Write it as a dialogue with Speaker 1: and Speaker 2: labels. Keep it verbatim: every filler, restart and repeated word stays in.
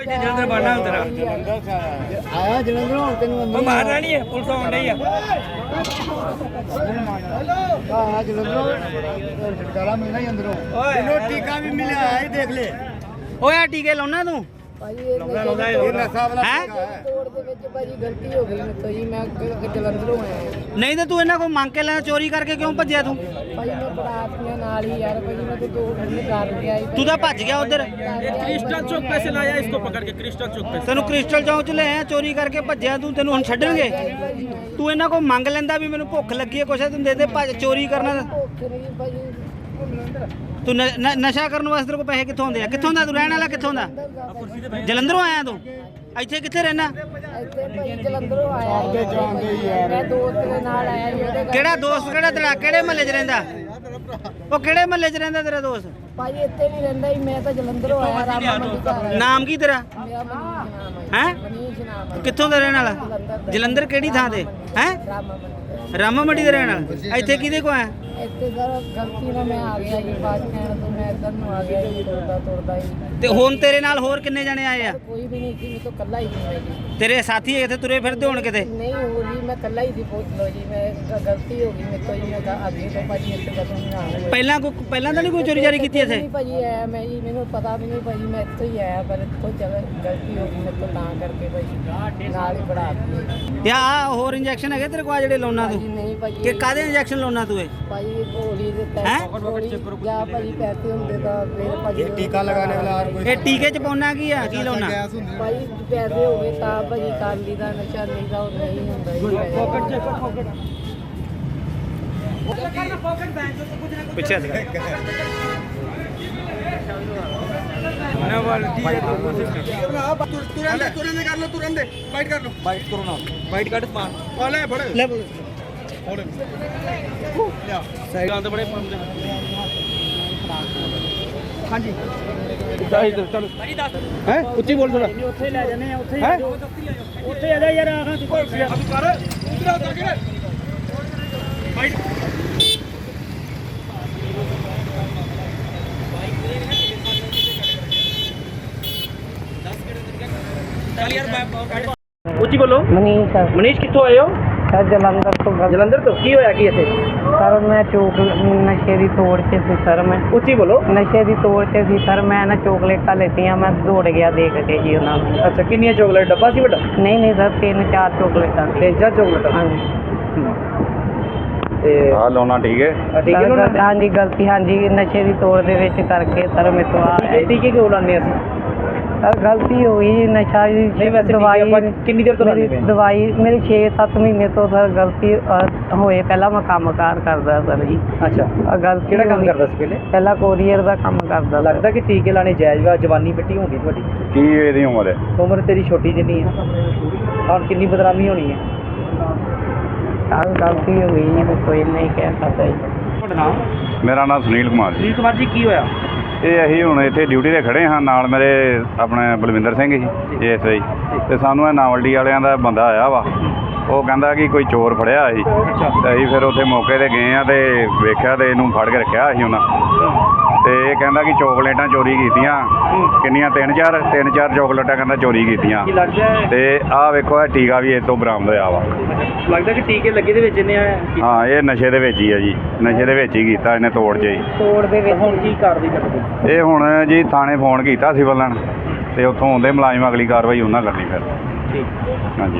Speaker 1: ਜਲੰਧਰ ਬਣਨਾ ਹੁੰਦਾ
Speaker 2: ਆਇਆ ਜਲੰਧਰ ਹੁਣ ਤੈਨੂੰ ਅੰਦਰ
Speaker 1: ਉਹ ਮਾਰਨਾ ਨਹੀਂ ਹੈ ਪੁਲਿਸ ਆਉਣ ਡਈ ਆ
Speaker 2: ਆਇਆ ਜਲੰਧਰ ਛਟਕਾਰਾ ਮਿਲਣਾ ਹੀ ਅੰਦਰੋਂ ਤੈਨੂੰ ਟੀਕਾ ਵੀ ਮਿਲਿਆ ਹੈ ਦੇਖ ਲੈ
Speaker 3: ਓਏ ਆ ਟੀਕੇ ਲਾਉਣਾ ਤੂੰ
Speaker 2: ਭਾਈ ਇਹ ਨਸ਼ਾ ਵਾਲਾ ਤੋੜ ਦੇ ਵਿੱਚ ਭਾਜੀ ਗਲਤੀ ਹੋ ਗਈ ਮੇਰੇ ਤੋਂ ਜੀ ਮੈਂ ਜਲੰਧਰੋਂ ਆਇਆ
Speaker 3: ਨਹੀਂ ਤੇ ਤੂੰ ਇਹਨਾਂ ਕੋਲ ਮੰਗ ਕੇ ਲੈਣਾ ਚੋਰੀ ਕਰਕੇ ਕਿਉਂ ਭੱਜਿਆ ਤੂੰ
Speaker 2: ਭਾਈ ਮੈਂ ਬਰਾਤੀਆਂ ਨਾਲ ਹੀ ਯਾਰ ਭਾਜੀ ਮੈਂ ਤਾਂ ਦੋ ਘੰਟੇ ਕਰ ਗਿਆ ਸੀ
Speaker 3: ਤੂੰ ਤਾਂ ਭੱਜ ਗਿਆ ਉਧਰ
Speaker 1: क्रिस्टल चौक पे से लाया इसको पकड़ के क्रिस्टल चौक पे
Speaker 3: ਤੈਨੂੰ ਕ੍ਰਿਸਟਲ ਚੌਂਕ ਚ ਲੈ ਆਇਆ ਚੋਰੀ ਕਰਕੇ ਭੱਜਿਆ ਤੂੰ ਤੈਨੂੰ ਹੁਣ ਛੱਡਣਗੇ ਤੂੰ ਇਹਨਾਂ ਕੋਲ ਮੰਗ ਲੈਂਦਾ ਵੀ ਮੈਨੂੰ ਭੁੱਖ ਲੱਗੀ ਹੈ ਕੁਛ ਤੂੰ ਦੇ ਦੇ ਭੱਜ ਚੋਰੀ ਕਰਨਾ
Speaker 2: ਭੁੱਖ ਨਹੀਂ ਭਾਜੀ
Speaker 3: ਤੂੰ ਨ- ਨ- ਨਸ਼ਾ ਕਰਨ ਵਾਸਤੇ ਤੇਰੇ ਕੋਲ ਪੈਸੇ ਕਿੱਥੋਂ ਆਉਂਦੇ ਆ ਕਿੱਥੋਂ ਦਾ ਤੂੰ ਰਹਿਣ ਵਾਲਾ ਕਿੱਥੋਂ ਦਾ ਜਲੰਧਰੋਂ ਆਇਆ ਤੂੰ ਇੱਥੇ ਕਿੱਥੇ ਰਹਿਣਾ
Speaker 2: ਇੱਥੇ ਭਾਈ ਜਲੰਧਰੋਂ ਆਇਆ ਮੈਂ ਦੋਸਤ ਦੇ ਨਾਲ ਆਇਆ ਜੀ ਉਹਦੇ ਘਰ।
Speaker 3: ਕਿਹੜਾ ਦੋਸਤ ਕਿਹੜਾ ਤੇਰਾ ਕਿਹੜੇ ਮਹੱਲੇ 'ਚ ਰਹਿੰਦਾ ਉਹ ਕਿਹੜੇ ਮਹੱਲੇ 'ਚ ਰਹਿੰਦਾ ਤੇਰਾ ਦੋਸਤ
Speaker 2: ਭਾਈ ਇੱਥੇ ਨਹੀਂ ਰਹਿੰਦਾ ਜੀ ਮੈਂ ਤਾਂ ਜਲੰਧਰੋਂ ਆਇਆ ਰਾਮਾ ਮੰਡੀ ਘਰ ਆਇਆ
Speaker 3: ਨਾਮ ਕੀ ਤੇਰਾ
Speaker 2: ਮੇਰਾ ਮਨੀਸ਼ ਨਾਮ
Speaker 3: ਹੈ
Speaker 2: ਹੈ ਮਨੀਸ਼ ਨਾਮ ਹੈ
Speaker 3: ਕਿੱਥੋਂ ਦਾ ਰਹਿਣ ਵਾਲਾ ਜਲੰਧਰ ਕਿਹੜੀ ਥਾਂ ਤੇ ਹੈ
Speaker 2: ਰਾਮਾ ਮੰਡੀ
Speaker 3: ਰਾਮਾ ਮੰਡੀ ਦਾ ਰਹਿਣ ਵਾਲਾ ਇੱਥੇ ਕਿਹਦੇ ਕੋ ਆਇਆ
Speaker 2: ਇੱਥੇ ਸਰ ਗਲਤੀ ਨਾਲ ਮੈਂ ਆ ਗਿਆ ਜੀ ਬਾਅਦ ਕਹਿਣ ਤੋਂ ਮੈਂ ਇੱਧਰ ਨੂੰ ਆ ਗਿਆ ਜੀ ਤੁਰਦਾ ਤੁਰਦਾ ਜੀ
Speaker 3: ਤੇ ਹੁਣ ਤੇਰੇ ਨਾਲ ਹੋਰ ਕਿੰਨੇ ਜਣੇ ਆਏ ਆ
Speaker 2: ਕੋਈ ਵੀ ਨਹੀਂ ਸੀ ਮੈਂ ਤਾਂ ਇਕੱਲਾ ਹੀ ਸੀ ਜੀ
Speaker 3: ਤੇਰੇ ਸਾਥੀ ਇੱਥੇ ਤੁਰੇ ਫਿਰਦੇ ਹੋਣ ਕਿਤੇ
Speaker 2: ਨਹੀਂ ਹੋ ਜੀ ਮੈਂ ਇਕੱਲਾ ਹੀ ਸੀ ਪੁੱਛ ਲਓ ਜੀ ਮੈਂ ਗ- ਗਲਤੀ ਹੋ ਗਈ ਮੇਰੇ ਤੋਂ ਜੀ ਮੈਂ ਤਾਂ ਅੱਗੇ ਤੋਂ ਭਾਜੀ ਇੱਥੇ ਕਦੋਂ ਨਹੀਂ ਆਇਆ
Speaker 3: ਪਹਿਲਾਂ ਕੋਈ ਪਹਿਲਾਂ ਤਾਂ ਨਹੀਂ ਕੋਈ ਚੋਰੀ ਜਾਰੀ ਕੀਤੀ ਇੱਥੇ
Speaker 2: ਨਹੀਂ ਭਾਜੀ ਆਇਆ ਮੈਂ ਜੀ ਮੈਨੂੰ ਪਤਾ ਵੀ ਨਹੀਂ ਭਾਜੀ ਮੈਂ ਇੱਥੇ ਹੀ ਆਇਆ ਪਰ ਕੋਈ ਜਗ੍ਹਾ ਗਲਤੀ ਹੋ ਗਈ ਮੇਰੇ ਤੋਂ ਤਾਂ ਕਰਕੇ ਭਾਜੀ ਨਾਲ ਹੀ ਬੜਾ ਦਿੱਤੀ
Speaker 3: ਤੇ ਆ ਹੋਰ ਇੰਜੈਕਸ਼ਨ ਹੈਗੇ ਤੇਰੇ ਕੋਲ ਆ ਜਿਹੜੇ ਲਾਉਣਾ
Speaker 2: ਭਾਜੀ
Speaker 3: ਤੂੰ
Speaker 2: ਨਹੀਂ
Speaker 3: ਕਿ
Speaker 2: ਭਾਜੀ
Speaker 3: ਕਾਦੇ ਇੰਜੈਕਸ਼ਨ ਲਾਉਣਾ ਤੂੰ ਇਹ
Speaker 2: ਭਾਜੀ ਗੋਲੀ ਦੇ
Speaker 3: ਹੈਂ?
Speaker 2: ਪੈਸੇ ਗੋਲੀ ਜਾਂ ਭਾਜੀ ਪੈਸੇ ਹੁੰਦੇ ਤਾਂ ਫਿਰ ਭਾਜੀ ਟੀਕਾ
Speaker 4: ਲਗਾने वाला और कोई
Speaker 3: ਇਹ ਟੀਕੇ ਚ ਪਾਉਣਾ ਕੀ ਆ ਕੀ ਲਾਉਣਾ
Speaker 2: ਭਾਜੀ ਪੈਸੇ ਹੋ ਗਏ ਤਾਂ ਭਾਜੀ ਕਾਲੀ ਦਾ ਨਸ਼ਾ ਨਹੀਂ ਦਾ ਉਹ ਨਹੀਂ ਹੁੰਦਾ ਜੀ
Speaker 3: ਪਿੱਛੇ ਹੱਥ ਕਰ
Speaker 1: ना वाली है तो
Speaker 4: तुरंत तुरंत कर लो तुरंत बाइट कर लो
Speaker 1: बाइट करो ना बाइट काट मार
Speaker 4: वाले बड़े
Speaker 3: ਲੈ ਬੋਲ
Speaker 1: सही गांध बड़े पंप दे
Speaker 4: हाँ जी
Speaker 1: चलो चलो हैं उच्ची बोल थोड़ा
Speaker 3: ਉੱਥੇ ਲੈ ਜਾਣੇ ਆ ਉੱਥੇ
Speaker 1: हैं
Speaker 3: ਉੱਥੇ ਆ ਜਾ ਯਾਰ ਆਹਾਂ ਤੂੰ
Speaker 4: अब कर उधर उधर के बाइट
Speaker 1: चल यार मैं ਉੱਚੀ ਬੋਲੋ
Speaker 2: ਮਨੀਸ਼ ਸਰ
Speaker 1: ਮਨੀਸ਼ ਕਿੱਥੋਂ ਆਏ ਹੋ
Speaker 2: ਸਰ ਜਲੰਧਰ ਤੋਂ ਗੱਲ
Speaker 1: ਜਲੰਧਰ ਤੋਂ ਕੀ ਹੋਇਆ ਕੀ ਇੱਥੇ
Speaker 2: ਸਰ ਮੈਂ ਚੋਕ ਨਸ਼ੇ ਦੀ ਤੋੜ 'ਚ ਸੀ ਸਰ ਮੈਂ
Speaker 1: ਉੱਚੀ ਬੋਲੋ
Speaker 2: ਨਸ਼ੇ ਦੀ ਤੋੜ 'ਚ ਸੀ ਸਰ ਮੈਂ ਨਾ ਚੋਕਲੇਟਾਂ ਲੈਤੀਆਂ ਮੈਂ ਦੌੜ ਗਿਆ ਦੇਖ ਕੇ ਜੀ ਉਹਨਾਂ ਨੂੰ
Speaker 1: ਅੱਛਾ ਕਿੰਨੀਆਂ ਚੋਕਲੇਟ ਡੱਬਾ ਸੀ ਵੱਡਾ
Speaker 2: ਨਹੀਂ ਨਹੀਂ ਸਰ ਤਿੰਨ ਚਾਰ ਚੋਕਲੇਟਾਂ ਸੀ।
Speaker 1: ਤਿੰਨ ਚਾਰ ਚੋਕਲੇਟ
Speaker 2: ਹਾਂਜੀ
Speaker 1: ਤੇ
Speaker 4: हाँ लोना ठीक है
Speaker 1: ਆ ਠੀਕ ਹੈ
Speaker 2: ਸਰ,
Speaker 1: ਨਾ
Speaker 2: ਹਾਂਜੀ ਗਲਤੀ ਹਾਂਜੀ ਨਸ਼ੇ ਦੀ ਤੋੜ ਦੇ ਵਿੱਚ ਕਰਕੇ ਸਰ ਮੇਰੇ ਤੋਂ ਆ
Speaker 1: ਟੀਕੇ ਟੀਕੇ ਕਿਉਂ ਲਾਉਂਦੇ ਅਸੀਂ
Speaker 2: ਸਰ ਗਲਤੀ ਹੋ ਗਈ ਨਸ਼ਾ ਦੀ
Speaker 1: ਨਹੀਂ ਵੈਸੇ
Speaker 2: ਦਵਾਈ
Speaker 1: ਦਵਾਈ ਆਪਾਂ ਕਿੰਨੀ ਦੇਰ ਤੋਂ ਲਾਉਂਦੇ
Speaker 2: ਮੇਰੀ
Speaker 1: ਪਏ
Speaker 2: ਦਵਾਈ ਮੇਰੀ ਛੇ ਸੱਤ ਮਹੀਨੇ ਤੋਂ ਸਰ ਗਲਤੀ ਅ, ਹੋਏ ਪਹਿਲਾਂ ਮੈਂ ਕੰਮਕਾਰ ਕਰਦਾ ਸਰ ਜੀ
Speaker 1: ਅੱਛਾ
Speaker 2: ਆਹ ਗਲਤੀ
Speaker 1: ਕਿਹੜਾ ਕੰਮ
Speaker 2: ਹੋਈ।
Speaker 1: ਕਰਦਾ ਸੀ ਪਹਿਲੇ
Speaker 2: ਪਹਿਲਾਂ ਕੋਰੀਅਰ ਦਾ ਕੰਮ ਕਰਦਾ ਸਰ।
Speaker 1: ਲੱਗਦਾ ਕਿ ਟੀਕੇ ਲਾਣੇ ਜਾਇਜ਼ ਵਾ ਜਵਾਨੀ ਮਿੱਟੀ ਹੋ ਗਈ ਤੁਹਾਡੀ
Speaker 4: की ਇਹਦੀ ਉਮਰ ਹੈ
Speaker 1: ਉਮਰ ਤੇਰੀ ਛੋਟੀ ਜਿੰਨੀ ਹੈ ਹੁਣ ਕਿੰਨੀ ਬਦਨਾਮੀ ਹੋਣੀ ਹੈ
Speaker 2: ਸਰ ਗਲਤੀ ਹੋ ਗਈ ਜੀ ਕੋਈ ਨਹੀਂ ਕਹਿ ਸਕਦਾ ਜੀ
Speaker 1: ਤੁਹਾਡਾ ਨਾਮ
Speaker 4: ਮੇਰਾ ਨਾਮ ਸੁਨੀਲ ਕੁਮਾਰ ਜੀ
Speaker 1: ਸੁਨੀਲ ਕੁਮਾਰ ਜੀ ਕੀ ਹੋਇਆ
Speaker 4: ਇਹ ਅਸੀਂ ਹੁਣ ਇੱਥੇ ਡਿਊਟੀ ਤੇ ਖੜੇ ਹਾਂ ਨਾਲ ਮੇਰੇ ਆਪਣੇ Balwinder Singh G S I ਤੇ ਸਾਨੂੰ ਇਹ ਨਾਵਲਡੀ ਵਾਲਿਆਂ ਦਾ ਬੰਦਾ ਆਇਆ ਵਾ ਉਹ ਕਹਿੰਦਾ ਕਿ ਕੋਈ ਚੋਰ ਫੜਿਆ ਸੀ ਤੇ ਅਸੀਂ ਫਿਰ ਉੱਥੇ ਮੌਕੇ ਤੇ ਗਏ ਆ ਤੇ ਵੇਖਿਆ ਤੇ ਇਹਨੂੰ ਫੜ ਕੇ ਰੱਖਿਆ ਸੀ ਉਹਨਾਂ ਤੇ ਇਹ ਕਹਿੰਦਾ ਕਿ ਚੋਕਲੇਟਾਂ ਚੋਰੀ ਕੀਤੀਆਂ ਕਿੰਨੀਆਂ ਤਿੰਨ ਚਾਰ ਤਿੰਨ ਚਾਰ ਚੋਕਲੇਟਾਂ ਕਹਿੰਦਾ ਚੋਰੀ ਕੀਤੀਆਂ
Speaker 1: ਕੀ ਲੱਗਦਾ ਹੈ
Speaker 4: ਤੇ ਆਹ ਵੇਖੋ ਇਹ ਟੀਕਾ ਵੀ ਇਹ ਤੋਂ ਬਰਾਮਦ ਹੋਇਆ ਵਾ
Speaker 1: ਲੱਗਦਾ ਕਿ ਟੀਕੇ ਲੱਗੇ ਦੇ ਵਿੱਚ ਇਹਨੇ
Speaker 4: ਹਾਂ ਇਹ ਨਸ਼ੇ ਦੇ ਵਿੱਚ ਹੀ ਆ ਜੀ ਨਸ਼ੇ ਦੇ ਵਿੱਚ ਹੀ ਕੀਤਾ ਇਹਨੇ ਤੋੜ 'ਚ ਹੀ
Speaker 2: ਤੋੜ ਦੇ ਵਿੱਚ
Speaker 1: ਹੁਣ ਕੀ ਕਰਦੀ ਕਰਦੇ
Speaker 4: ਇਹ ਹੁਣ ਜੀ ਥਾਣੇ ਫੋਨ ਕੀਤਾ ਸਿਵਲ ਲਾਈਨ ਤੇ ਉੱਥੋਂ ਆਉਂਦੇ ਮੁਲਾਜ਼ਮ ਅਗਲੀ ਕਾਰਵਾਈ ਉਹਨਾਂ ਕਰਨੀ ਫਿਰ
Speaker 1: ਠੀਕ
Speaker 4: ਹਾਂਜੀ